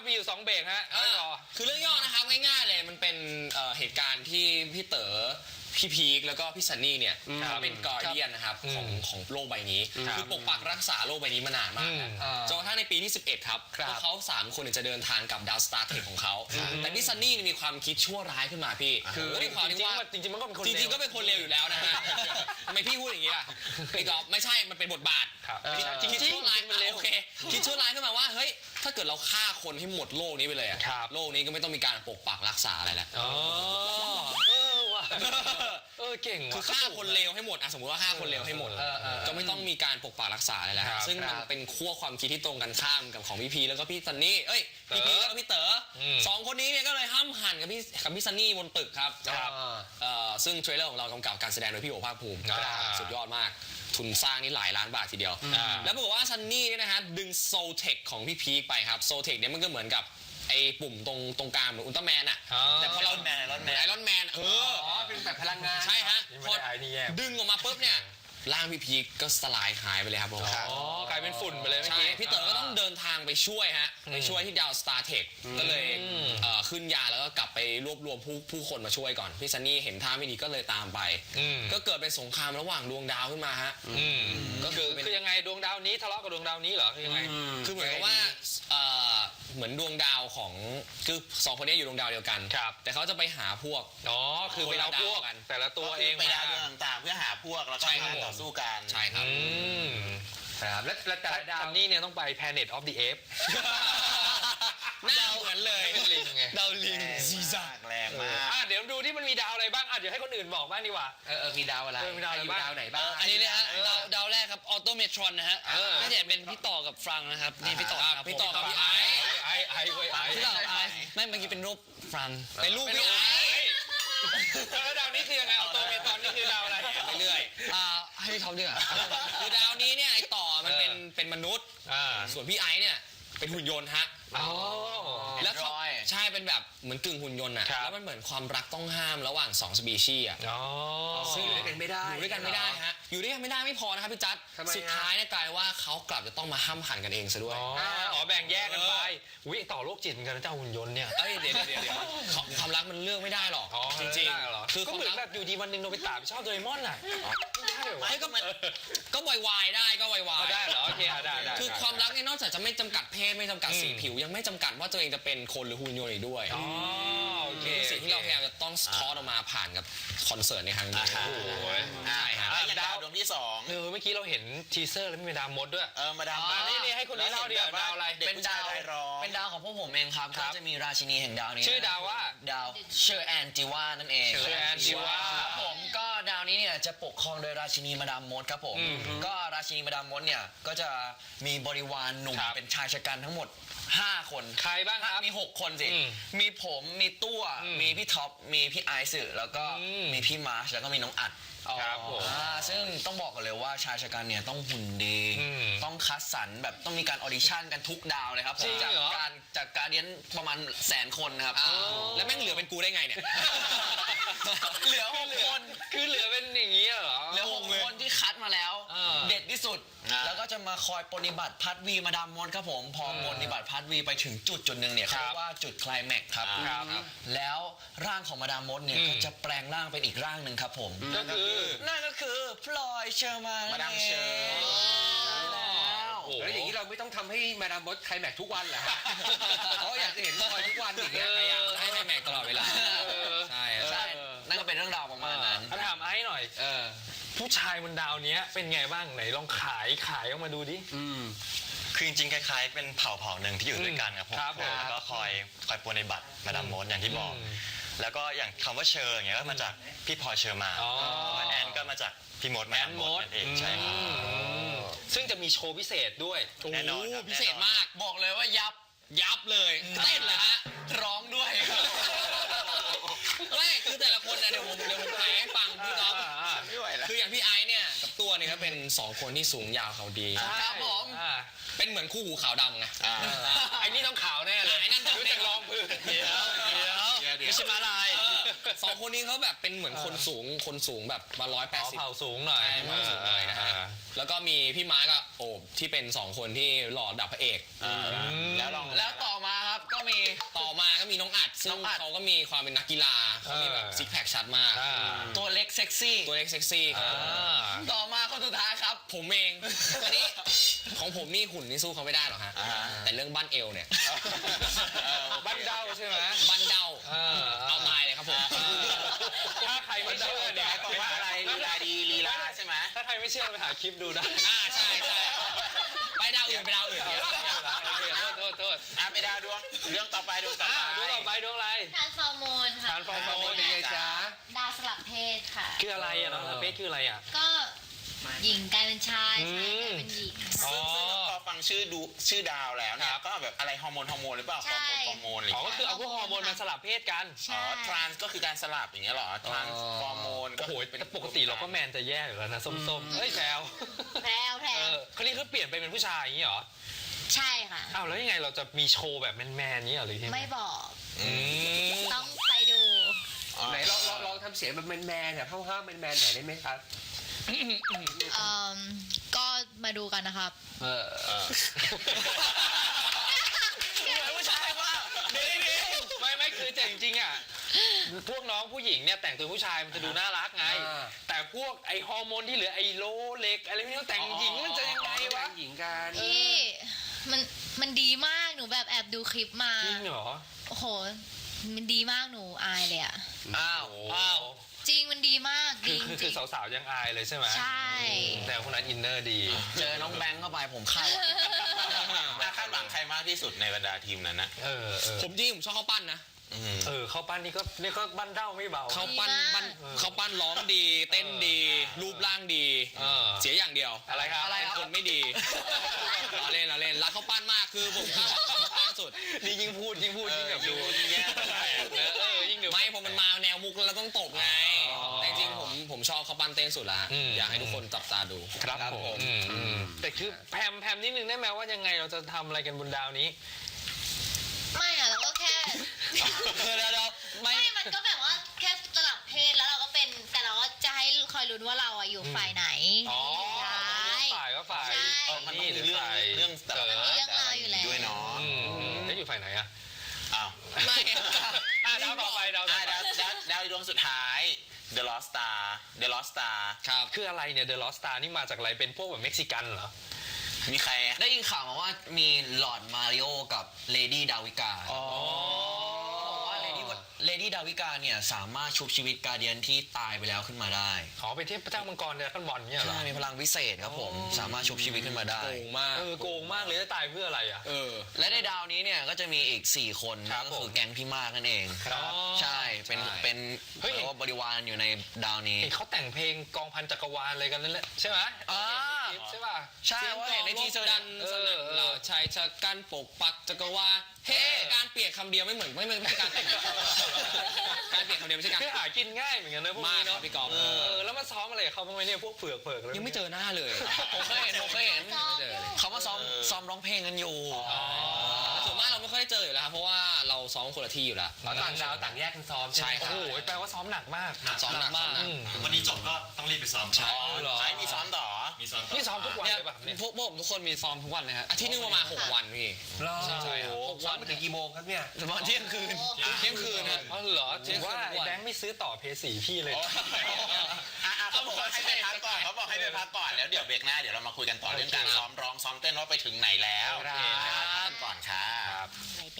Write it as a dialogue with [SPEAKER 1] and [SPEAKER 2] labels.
[SPEAKER 1] มีอยู่2เบรกฮะ
[SPEAKER 2] คือเรื่องย่อนะครับง่ายๆเลยมันเป็นเหตุการณ์ที่พี่เต๋อพี่พีคแล้วก็พี่ซันนี่เนี่ยเป็นกอร์เดียนนะครับของโลกใบนี้คือปกปักรักษาโลกใบนี้มานานมากจนกระทั่งในปีที่11ครับพวกเขา3 คนจะเดินทางกับดาวสตาร์เทคของเขาแต่พี่ซันนี่มีความคิดชั่วร้ายขึ้นมาพี่คือด้วยความที่ว่า
[SPEAKER 1] จริงๆมันก็เป็นคน
[SPEAKER 2] จริงๆก็เป็นคนเลวอยู่แล้วนะฮะทำไมพี่พูดอย่างนี้ล่ะไม่ใช่มันเป็นบทบาทคิดชั่วร้ายมันเลวโอเคคิดชั่วร้ายขึ้นมาว่าเฮ้ยถ้าเกิดเราฆ่าคนให้หมดโลกนี้ไปเลยอะโลกนี้ก็ไม่ต้องมีการปกปักรักษาอะไรแล้ว
[SPEAKER 1] เก่ง
[SPEAKER 2] คือฆ่าคนเลวให้หมดสมมติว่าฆ่าคนเลวให้หมดก็ไม่ต้องมีการปกปักรักษาอะไรแล้วซึ่งมันเป็นขั้วความคิดที่ตรงกันข้ามกับของพี่พีแล้วก็พี่ซันนี่พี่พีแล้วก็พี่เต๋อ2 คนนี้เนี่ยก็เลยห้ามหันกับพี่ซันนี่บนตึกครับซึ่งเทรลเลอร์ของเรากำกับการแสดงโดยพี่โอภาคภูมิสุดยอดมากทุนสร้างนี่หลายล้านบาททีเดียวแล้วบอกว่าซันนี่เนี่ยนะฮะดึงโซเทคของพี่พีไปครับโซเทคเนี่ยมันก็เหมือนกับไอ้ปุ่มตรงกลางเหมือนอุลตร้าแมนแต่พอเราไอรอนแมน
[SPEAKER 1] เป็นแบบพลังงาน
[SPEAKER 2] ใช่ฮะพอดึงออกมาปุ๊บเนี่ยร่างพี่พีคก็สลายหายไปเลยครับผม
[SPEAKER 1] กลายเป็นฝุ่นไปเลยเมื่อ
[SPEAKER 2] กี้พี่เต๋อก็ต้องเดินทางไปช่วยที่ดาวสตาร์เทคก็เลยขึ้นยาแล้วก็กลับไปรวบรวมผู้คนมาช่วยก่อนพี่ซันนี่เห็นท่าไม่ดีก็เลยตามไปก็เกิดเป็นสงครามระหว่างดวงดาวขึ้นมาฮะ
[SPEAKER 1] ก็คือยังไงดวงดาวนี้ทะเลาะกับดวงดาวนี้เหรอคือยังไง
[SPEAKER 2] คือเหมือนกับว่าเหมือนดวงดาวของคือ2 คนนี้อยู่ดวงดาวเดียวกันแต่เขาจะไปหาพวก
[SPEAKER 1] คือไปเอาพวกแต่ละตัวเอง
[SPEAKER 3] ไปดาวดวงต่างๆเพื่อหาพวกแล้วก็ต่อสู้กัน
[SPEAKER 2] ใช่ครับ
[SPEAKER 1] แล้วแต่ละดาวนี่เนี่ยต้องไป Planet of the Apes
[SPEAKER 2] หน้าเหมือนเลยดาวลิง
[SPEAKER 3] ซีซ่าแรงมาก
[SPEAKER 1] เดี๋ยวดูที่มันมีดาวอะไรบ้างเดี๋ยวให้คนอื่นบอกบ้างดีกว่า
[SPEAKER 2] มีดาวอะไร
[SPEAKER 1] มีดาวอะไรบ้าง
[SPEAKER 2] ดาวไหนบ้างอันนี้นะฮะดาวแรกครับออโตเมทรอนนะฮะน่าจะเป็นพี่ต่อกับฟรังนะครับนี่พี่ต่อกับพี่ไอพี่ต่อไอไม่เมื่อกี้เป็นรูปฟรังเป็นรูปพี่ไอ
[SPEAKER 1] แล้วดาวนี้คือยังไงออโตเมทรอนนี่คือดาวอะไร
[SPEAKER 2] ไปเรื่อยให้พี่ท็อปดีกว่าคือดาวนี้เนี่ยไอต่อมันเป็นมนุษย์ส่วนพี่ไอเนี่ยเป็นหุ่นยนต์ฮะแล้วใช่เป็นแบบเหมือนกึ่งหุ่นยนต์แล้วมันเหมือนความรักต้องห้ามระหว่าง2 สปีชีส์
[SPEAKER 1] ซึ่งอยู่ด้วยกันไม่ได้
[SPEAKER 2] อยู่ด้วยกันไม่ได้ฮะอยู่ด้วยกันไม่ได้ไม่พอนะครับพี่จัดสุดท้ายเนี่ยกลายว่าเขากลับจะต้องมาห้ามหันกันเองซะด้วย
[SPEAKER 1] แบ่งแยกกันไปต่อโรคจิตเหมือนกันนะเจ้าหุ่นยนต์เนี่ย
[SPEAKER 2] เดี๋ยวความรักมันเลือกไม่ได้หรอกจริง
[SPEAKER 1] ๆคือเหมือนแบบอยู่ดีวันหนึ่งโนบิตะชอบโดเรมอน
[SPEAKER 2] ก็วายได้ก็วาย
[SPEAKER 1] ได้เหรอโอเคได้
[SPEAKER 2] คือความรักเนี่ยนอกจากจะไม่จำกัดเพศไม่จำกัดสีผิวยังไม่จำกัดว่าตัวเองจะเป็นคนหรือหุ่นยนต์อีกด้วย
[SPEAKER 1] โอเค
[SPEAKER 2] สิ่งที่เราพยายามจะต้องทอดออกมาผ่านกับคอนเสิร์ตในครั้งนี้
[SPEAKER 3] ใช่ครับดาวดวงที่2
[SPEAKER 1] เมื่อกี้เราเห็นทีเซอร์แล้วมีดาวมดด้วย
[SPEAKER 3] มาดาม
[SPEAKER 1] นี่ให้คนนี้เล่าดิดาวอะไร
[SPEAKER 3] เป็นด
[SPEAKER 4] าวของพวกผมเองครับก็จะมีราชินีแห่งดาวนี้
[SPEAKER 1] ชื่อดาวว่า
[SPEAKER 4] ดาวเชอร์แอนจิวานั่นเอง
[SPEAKER 1] เชอร์แอนจิวา
[SPEAKER 4] ผมก็ดาวนี้เนี่ยจะปกครองโดยราชินีมาดามมดครับผมก็ราชินีมาดามมดเนี่ยก็จะมีบริวารหนุ่มเป็นชายชะกันทั้งหมด5 คน
[SPEAKER 1] ใครบ้างครับ
[SPEAKER 4] มี6 คนสิมีผมมีตัวมีพี่ท็อปมีพี่ไอซ์แล้วก็มีพี่มาร์ชแล้วก็มีน้องอัด
[SPEAKER 1] ครับผม
[SPEAKER 4] ซึ่งต้องบอกกันเลยว่าชายชะกันเนี่ยต้องหุ่นดีต้องคัดสรรแบบต้องมีการออดิชั่นกันทุกดาวเลยครับผมจากการเรียนประมาณ100,000 คนนะครับ
[SPEAKER 2] แล้วแม่งเหลือเป็นกูได้ไงเนี่ย
[SPEAKER 4] เหลือ6 คน
[SPEAKER 1] คือเหลือเป็นอย่างนี้เหรอ
[SPEAKER 4] เหลือ6 คนที่คัดมาแล้วเด็ดที่สุดแล้วก็จะมาคอยปฏิบัติพัดวีมาดามมดครับผมพอปฏิบัติพัดวีไปถึงจุดหนึ่งเนี่ยเขาเรียกว่าจุดไคลแม็กซ์ครับแล้วร่างของมาดามมดเนี่ยก็จะแปลงร่างเป็นอีกร่างหนึ่งครับผมนั่นก็คือพลอยเชอร์มาน
[SPEAKER 3] มาดามเชอร์
[SPEAKER 1] แล้วอย่างนี้เราไม่ต้องทำให้มาดามมดไคลแม็กทุกวันเหรอเพราะอยากจะเห็นพลอยทุกวันอย่างเงี้ย
[SPEAKER 2] พยายามให้ไคลแม็กตลอดเวลาใช่
[SPEAKER 4] นั่นก็เป็นเรื่องราวประมาณนั้น
[SPEAKER 1] ถามไอ้หน่อยผู้ชายบนดาวนี้เป็นไงบ้างไหนลองขายออกมาดูดิ
[SPEAKER 5] คือจริงๆคล้ายๆเป็นเผ่าหนึ่งที่อยู่ด้วยกันครับผมแล้วก็คอยปฏิบัติมาดามมดอย่างที่บอกแล้วก็อย่างคำว่าเชอร์อย่างเงี้ยก็มาจากพี่พลอยเชอร์มานแอนก็มาจากพี่มดมาดามมดนั่นเองใช่ครับ
[SPEAKER 1] ซึ่งจะมีโชว์พิเศษด้วย
[SPEAKER 5] แน่นอน
[SPEAKER 2] พิเศษมาก
[SPEAKER 4] บอกเลยว่า
[SPEAKER 2] ยับเลยเต้นเลยฮะ
[SPEAKER 4] ร้องด้วย
[SPEAKER 2] ไม่คือแต่ละคนนะเดี๋ยวผมแปลให้ฟังพี่ก๊อฟคืออย่างพี่ไอซ์เนี่ยกับตัวเนี่ยก็เป็น2 คนที่สูงยาวเขาดี
[SPEAKER 4] ครับผม
[SPEAKER 2] เป็นเหมือนคู่หูขาวดำไง
[SPEAKER 1] ไอ้นี่ต้องขาวแน่เลย
[SPEAKER 2] ไอ้นั่น
[SPEAKER 1] รู้จักรองพื้น
[SPEAKER 2] ไม่ใช่มาลาย2 คนนี้เขาแบบเป็นเหมือนคนสูงแบบมา180
[SPEAKER 1] เผ่าสูงหน่อย
[SPEAKER 2] นะฮะแล้วก็มีพี่ม้ากับโอบที่เป็น2 คนที่หล่อดับพระเอก
[SPEAKER 4] แล้วต่อมาครับก็
[SPEAKER 2] ซึ่งเขาก็มีความเป็นนักกีฬาเขามีแบบซิกแพคชัดมาก
[SPEAKER 4] ตัวเล็กเซ็กซี่
[SPEAKER 2] ตัวเล็กเซ็กซี่ครับ
[SPEAKER 4] ต่อมาคนสุดท้ายครับ
[SPEAKER 2] ผมเองอันนี้ของผมนี่หุ่นนี่สู้เขาไม่ได้หรอกฮะแต่เรื่องบั้นเอวเนี่ย
[SPEAKER 1] บ้านเด้าใช่ไหม
[SPEAKER 2] บั้นเดาเอาตายเลยครับผม
[SPEAKER 1] ถ้าใครไม่เชื่อเนี่ย
[SPEAKER 3] บอกว่าอะไรลีลาดีลีลาใช่ไหม
[SPEAKER 1] ถ้าใครไม่เชื่อไปหาคลิปดูได้
[SPEAKER 2] ใช่ไปดาวอื่นไปดาวอื่น
[SPEAKER 1] โทษ
[SPEAKER 3] ไปดาวดวงเรื่องต่อไปดวงต่อ
[SPEAKER 1] ดูต่อ
[SPEAKER 3] ไป
[SPEAKER 1] ไปดูอะไร
[SPEAKER 6] ทานฟอร์โมนค่ะ
[SPEAKER 1] ทานฟอร์โมนเป็นไงจ๊ะ
[SPEAKER 6] ดาวสลับเพศค่ะ
[SPEAKER 1] คืออะไรอ่ะน้องสเปคคืออะไรอ่ะ
[SPEAKER 6] ก็หญิงกลายเป็นชายชายกลายเป็นหญิงค่ะ
[SPEAKER 3] ซึ่งพอฟังชื่อดาวแล้วเนี่ยก็แบบอะไรฮอร์โมนหรือเปล่า
[SPEAKER 6] ใช่
[SPEAKER 3] ฮอร์โมนอะไร
[SPEAKER 1] อ๋อก็คือเอาพวกฮอร์โมนมาสลับเพศกัน
[SPEAKER 6] ใช่
[SPEAKER 3] ทรานส์ก็คือการสลับอย่างเงี้ยเหรอทรานส์ฮอร์โมนก็
[SPEAKER 1] โอ้โหแต่ปกติเราก็แมนจะแย่อยู่แล้วนะส้มๆเฮ้ยแซว
[SPEAKER 6] แพรวแพรว
[SPEAKER 1] คนนี้เขาเปลี่ยนไปเป็นผู้ชายอย่างนี้เหรอ
[SPEAKER 6] ใช่ค่ะ
[SPEAKER 1] อ้าวแล้วยังไงเราจะมีโชว์แบบแมนๆนี้เหรอหรือที่
[SPEAKER 6] ไม่บอก
[SPEAKER 1] ม
[SPEAKER 6] ต้องไปดู
[SPEAKER 1] ไหนลองทำเสียงแบบแมนๆเนี่ยห้าวๆแมนๆหน่อยได้ไหมครับ
[SPEAKER 6] ก็มาดูกันนะครับ
[SPEAKER 1] ผู้ชายว่าไม่คือแต่จริงๆอ่ะพวกน้องผู้หญิงเนี่ยแต่งตัวผู้ชายมันจะดูน่ารักไง แต่พวกไอฮอร์โมนที่เหลือไอโลเล็กอะไรพวกนี้แต่งหญิงมันจะยังไงวะหญิงกัน
[SPEAKER 6] พี่มันดีมากหนูแบบแอบดูคลิปมา
[SPEAKER 1] จริงเหรอ
[SPEAKER 6] โอ้โหมันดีมากหนูอายเลยอะ
[SPEAKER 1] อ้าว
[SPEAKER 6] จริงมันดีมากดีจ
[SPEAKER 1] คื
[SPEAKER 6] ริ
[SPEAKER 1] อง สาวๆยังอายเลยใช่ไหม
[SPEAKER 6] ใช่
[SPEAKER 1] แต่คนนั้นอินเนอร์ดี
[SPEAKER 4] เจอน้องแบงค์เข้าไปผมคาด
[SPEAKER 3] คาดหวังใครมากที่สุดในบรรดาทีมนั้นนะ
[SPEAKER 2] ผมจริงผมชอบเขาปั้นนะ
[SPEAKER 1] เข้าปั้นนี่ก็บ้านเด้าไม่เบา
[SPEAKER 2] เขาปั้นร้องดี เต้นดี รูปร่างดี เสียอย่างเดียว
[SPEAKER 1] อะไรครับ
[SPEAKER 2] เป็นคนไม่ดีเราเล่นรักเขาปั้นมากคือผมคาดหวังเขาปั้นสุด
[SPEAKER 1] นี่ยิ่งพูดยิ่งแบบดู
[SPEAKER 3] ยิ่งแย่
[SPEAKER 1] ยิ่งดู
[SPEAKER 2] ไม่พอมันมาแนวมุกแล้วต้องตบไงแต่จริงๆผมชอบเขาปั้นเต้นสุดละอยากให้ทุกคนจับตาดู
[SPEAKER 1] ครับผมแต่คือแพมนิดนึงได้ไหมว่ายังไงเราจะทำอะไรกันบนดาวนี้
[SPEAKER 6] ไม่อะเราก็แค่
[SPEAKER 2] ไม่
[SPEAKER 6] ไม่มันก็แบบว่าแค่สลับเพศแล้วเราก็เป็นแต่เราก็จะให้คอยลุ้นว่าเราอะอยู่ฝ่ายไหน
[SPEAKER 1] อ๋อ
[SPEAKER 6] ร้าย
[SPEAKER 1] ฝ่ายก็ฝ่าย
[SPEAKER 6] ใช่
[SPEAKER 3] มันต้องมีเรื่องแต่ละ
[SPEAKER 6] มันมีเรื่องราวอยู่แล้ว
[SPEAKER 3] ด้วยเนาะ
[SPEAKER 1] แล้วอยู่ฝ่ายไหนอะ
[SPEAKER 3] อ้าว
[SPEAKER 2] ไม่
[SPEAKER 1] ดาวต่อไปดาวต่อไป
[SPEAKER 3] ดาวดวงสุดท้าย The Lost Star
[SPEAKER 2] ครับ
[SPEAKER 1] คืออะไรเนี่ย The Lost Star นี่มาจากอะไรเป็นพวกแบบเม็กซิกันเหรอ
[SPEAKER 3] มีใครอะ
[SPEAKER 4] ได้ยินข่าวมาว่ามีหลอร์ดมาริโอกับเลดี้ดาวิกาว่าเลดี้ดาวิกาเนี่ยสามารถชุบชีวิตการเดียนที่ตายไปแล้วขึ้นมาได้
[SPEAKER 1] อ๋อเป็นเทพเจ้ามังกรเดรักบอลเนี่ยเหรอ
[SPEAKER 4] ใช่มีพลังวิเศษครับผมสามารถชุบชีวิตขึ้นมาได้
[SPEAKER 2] โกงมาก
[SPEAKER 1] โกงมากเลยจะตายเพื่ออะไรอ่ะ
[SPEAKER 4] และในดาวนี้เนี่ยก็จะมีอีก4คน
[SPEAKER 1] ครับ
[SPEAKER 4] ก็คือแก๊งพี่มากนั่นเอง
[SPEAKER 1] ครับ
[SPEAKER 4] ใช่เป็น
[SPEAKER 1] เฮ้ย
[SPEAKER 4] เรียกว่าบริวารอยู่ในดาวนี้
[SPEAKER 1] เห็นเขาแต่งเพลงกองพันจักรวาลอะไรกันนั่นแหละใช่ไหมใช่ป่ะ
[SPEAKER 4] ใช่ว่าเห็นในทีเซอร์
[SPEAKER 2] ดันสนั่นเราชายชะกันปกปักจักรวาลเฮ้การเปลี่ยนคำเดียวไม่เหมือนไม่ใช่การแต่งการเปลี่ยนคำเดียวไม่ใช่การ
[SPEAKER 1] คือหากินง่ายเหมือนกันนะพวก
[SPEAKER 2] มาก
[SPEAKER 1] นี้
[SPEAKER 2] ครั
[SPEAKER 1] เนาะ
[SPEAKER 2] บพี่กอล์ฟ
[SPEAKER 1] แล้วมาซ้อมอะไรกับเขาบ้างไหมเนี่ยพวกเผือกแล้ว
[SPEAKER 2] ยังไม่เจอหน้าเลย
[SPEAKER 4] ผมเคยเห็น เขามาซ้อมร้องเพลงกันอยู่
[SPEAKER 2] ส่วนมากเราไม่ค่อยได้เจออยู่แล้วครับเพราะว่าเราซ้อมคนละที่อยู่แล้ว
[SPEAKER 1] ต่างดาวต่างแยกกันซ้อม
[SPEAKER 2] ใช่ครับ
[SPEAKER 1] โอ้โหแปลว่าซ้อมหนักมาก
[SPEAKER 2] ซ้อมหนักมาก
[SPEAKER 5] วันนี้จบก็ต้องรีบไปซ้อม
[SPEAKER 2] ใช่
[SPEAKER 1] เหรอ
[SPEAKER 3] ใช่มีซ้อมต่อ
[SPEAKER 5] มีซ้อมต่อ
[SPEAKER 1] นี่ซ้อมทุกวัน
[SPEAKER 2] เนี่ย
[SPEAKER 1] เลยป่ะเนี่ย
[SPEAKER 2] พวกผมทุกคนมีซ้อมทุกวันเลยฮะอาทิตย์นึงประมาณ6 วันพี่ ใช่ครับ
[SPEAKER 1] ซ้อมไปถึงกี่โมงครับเนี่ย
[SPEAKER 4] ตอนเที่ยงคืน
[SPEAKER 2] เที่ยงคืนฮะ
[SPEAKER 1] อ๋อเหรอ
[SPEAKER 2] เที่
[SPEAKER 1] ถึ
[SPEAKER 2] ยง
[SPEAKER 1] ง
[SPEAKER 2] คืน
[SPEAKER 1] ว่า
[SPEAKER 2] ทุกวัน
[SPEAKER 1] แบงค์ไม่ซื้อต่อเพย์สีพี่เลย
[SPEAKER 3] เขาบอกให้ไปพักก่อนแล้วเดี๋ยวเบรกหน้าเดี๋ยวเรามาคุยกันต่อเรื่องการซ้อมร้องซ้อมเต้นว่าไปถึงไหนแล้ว
[SPEAKER 1] ครับ
[SPEAKER 3] พักกันก่อนค่ะ
[SPEAKER 6] ไหน